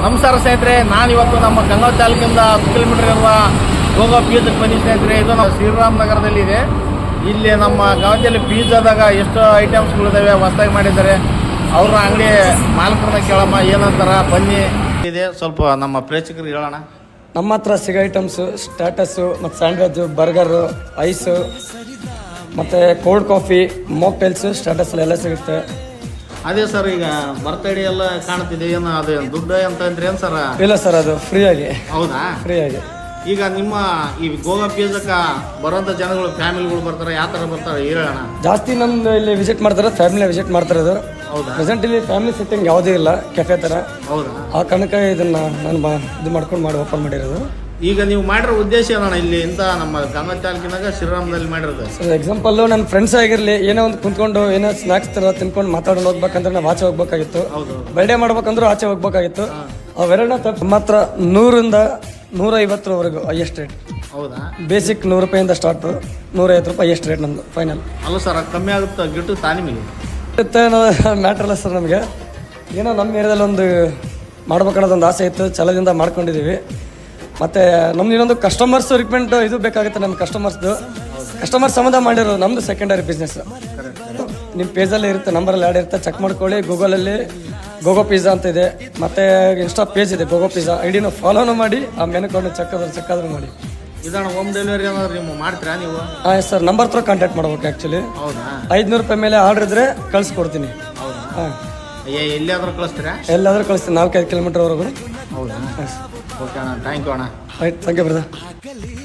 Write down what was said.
ನಮಸ್ಕಾರ ಸ್ನೇಹಿತರೆ, ನಾನಿವತ್ತು ನಮ್ಮ ಗಂಗಾವತಿ ತಾಲೂಕಿಂದ 10 ಕಿಲೋಮೀಟರ್ ಇರುವ ಗೋಗಾ ಪಿಜ್ಜಾಕ್ಕೆ ಬಂದಿದ್ದೆ ಸ್ನೇಹಿತರೆ. ಇದು ನಮ್ಮ ಶ್ರೀರಾಮ್ ನಗರದಲ್ಲಿದೆ. ಇಲ್ಲಿ ನಮ್ಮ ಗಂಗಾವತಿಯಲ್ಲಿ ಪಿಜ್ಜಾದಾಗ ಎಷ್ಟು ಐಟಮ್ಸ್ಗಳಿದ್ದಾವೆ, ಹೊಸದಾಗಿ ಮಾಡಿದ್ದಾರೆ. ಅವ್ರ ಅಂಗಡಿ ಮಾಲಕರನ್ನ ಕೇಳಮ್ಮ ಏನಂತಾರ, ಬನ್ನಿ. ಇದೆ ಸ್ವಲ್ಪ ನಮ್ಮ ಪ್ರೇಕ್ಷಕರಿಗೆ ಹೇಳೋಣ. ನಮ್ಮ ಹತ್ರ ಸಿಗೋ ಐಟಮ್ಸು ಸ್ಟಾಟಸ್ಸು ಮತ್ತು ಸ್ಯಾಂಡ್ವಿಚ್ಚು, ಬರ್ಗರು, ಐಸು ಮತ್ತು ಕೋಲ್ಡ್ ಕಾಫಿ, ಮಾಕ್ಟೇಲ್ಸು ಸ್ಟಾಟಸ್ಸಲ್ಲೆಲ್ಲ ಸಿಗುತ್ತೆ. ಅದೇ ಸರ್, ಈಗ ಬರ್ತಡೇ ಎಲ್ಲ ಕಾಣ್ತಿದೆ, ಏನು ಅದು ದುಡ್ಡು ಅಂತ ಅಂದ್ರೆ ಏನು ಸರ್? ಇಲ್ಲ ಸರ್, ಅದು ಫ್ರೀ ಆಗಿ. ಹೌದಾ? ಫ್ರೀ ಆಗಿ. ಈಗ ನಿಮ್ಮ ಈ ಗೋಗಾ ಪಿಜ್ಜಾಕ್ಕೆ ಬರೋಂಥ ಜನಗಳು, ಫ್ಯಾಮಿಲಿಗಳು ಬರ್ತಾರೆ, ಯಾವ ಥರ ಬರ್ತಾರೆ ಹೇಳೋಣ. ಜಾಸ್ತಿ ನಮ್ದು ಇಲ್ಲಿ ವಿಸಿಟ್ ಮಾಡ್ತಾರೆ, ಫ್ಯಾಮಿಲಿ ವಿಸಿಟ್ ಮಾಡ್ತಿರೋದು. ಹೌದಾ? ಪ್ರೆಸೆಂಟ್ ಇಲ್ಲಿ ಫ್ಯಾಮಿಲಿ ಸೆಟ್ಟಿಂಗ್ ಯಾವುದೂ ಇಲ್ಲ, ಕೆಫೆ ಥರ. ಹೌದಾ? ಆ ಕಾರಣಕ್ಕೆ ಇದನ್ನು ನಾನು ಇದು ಮಾಡ್ಕೊಂಡು ಓಪನ್ ಮಾಡಿರೋದು. ಈಗ ನೀವು ಮಾಡಿರೋ ಉದ್ದೇಶ ಏನಣ್ಣ? ಇಲ್ಲಿ ಇಂಥ ನಮ್ಮ ಗಂಗಾವತಿ ತಾಲೂಕಿನಾಗ ಶ್ರೀರಾಮದಲ್ಲಿ ಮಾಡಿರೋದು ಸರ್, ಎಕ್ಸಾಂಪಲ್ಲು ನನ್ನ ಫ್ರೆಂಡ್ಸ್ ಆಗಿರಲಿ, ಏನೋ ಒಂದು ಕುಂತ್ಕೊಂಡು ಏನೋ ಸ್ನ್ಯಾಕ್ಸ್ ಥರ ತಿನ್ಕೊಂಡು ಮಾತಾಡೋದು ಹೋಗ್ಬೇಕಂದ್ರೆ ನಾವು ಆಚೆ ಹೋಗ್ಬೇಕಾಗಿತ್ತು. ಬರ್ಡೇ ಮಾಡ್ಬೇಕಂದ್ರೂ ಆಚೆ ಹೋಗ್ಬೇಕಾಗಿತ್ತು. ಅವೆರಡನ್ನ ತಪ್ಪು. ನಮ್ಮ ಹತ್ರ 100ರಿಂದ 150ರವರೆಗೂ ಹೈಯೆಸ್ಟ್ ರೇಟ್. ಹೌದಾ? ಬೇಸಿಕ್ 100 ರೂಪಾಯಿಂದ ಸ್ಟಾರ್ಟು, 150 ರೂಪಾಯಿ ಹೈಯೆಸ್ಟ್ ರೇಟ್ ನಮ್ಮದು ಫೈನಲ್. ಅಲ್ಲ ಸರ್, ಕಮ್ಮಿ ಆಗುತ್ತೆ ಗಿಟ್ಟು ನಿಮಗೆ? ಮ್ಯಾಟ್ರ್ ಅಲ್ಲ ಸರ್, ನಮಗೆ ಏನೋ ನಮ್ಮ ಏರಿಯಾದಲ್ಲಿ ಒಂದು ಮಾಡ್ಬೇಕನ್ನೋದೊಂದು ಆಸೆ ಇತ್ತು, ಛಲದಿಂದ ಮಾಡ್ಕೊಂಡಿದ್ದೀವಿ. ಮತ್ತು ನಮ್ದು ಇನ್ನೊಂದು ಕಸ್ಟಮರ್ಸ್ ರಿಕ್ವೆಂಟ್ ಇದು ಬೇಕಾಗುತ್ತೆ. ನಮ್ಮ ಕಸ್ಟಮರ್ ಸಂಬಂಧ ಮಾಡಿರೋ ನಮ್ಮದು ಸೆಕೆಂಡರಿ ಬಿಸ್ನೆಸ್. ನಿಮ್ಮ ಪೇಜಲ್ಲಿ ಇರುತ್ತೆ, ನಂಬರಲ್ಲಿ ಆ್ಯಡ್ ಇರುತ್ತೆ, ಚೆಕ್ ಮಾಡ್ಕೊಳ್ಳಿ. ಗೂಗಲಲ್ಲಿ ಗೋಗೋ ಪಿಜ್ಜಾ ಅಂತ ಇದೆ, ಮತ್ತು ಇನ್ಸ್ಟಾ ಪೇಜ್ ಇದೆ ಗೋಗೋ ಪಿಜ್ಜಾ. ಐಡಿನ ಫಾಲೋನು ಮಾಡಿ, ಆ ಮೆನುಕೊಂಡು ಚೆಕ್ಕಾದ್ರೂ ಮಾಡಿ. ಇದನ್ನು ಹೋಮ್ ಡೆಲಿವರಿ ಏನಾದ್ರು ನೀವು ಮಾಡ್ತೀರಾ ನೀವು? ಹಾಂ ಸರ್, ನಂಬರ್ ಥ್ರೂ ಕಾಂಟ್ಯಾಕ್ಟ್ ಮಾಡ್ಬೇಕು. ಆ್ಯಕ್ಚುಲಿ 500 ರೂಪಾಯಿ ಮೇಲೆ ಆರ್ಡ್ರ್ ಇದ್ದರೆ ಕಳಿಸ್ಕೊಡ್ತೀನಿ. ಹಾಂ, ಎಲ್ಲಿಯಾದ್ರೂ ಕಳಿಸ್ತೀರಾ? ಎಲ್ಲಾದರೂ ಕಳಿಸ್ತೀನಿ, 4-5 ಕಿಲೋಮೀಟರ್ವರೆಗೂ. ಹೌದಾ? ಓಕೆ ಅಣ್ಣ, ಥ್ಯಾಂಕ್ ಯು ಅಣ್ಣ. Right, thank you brother.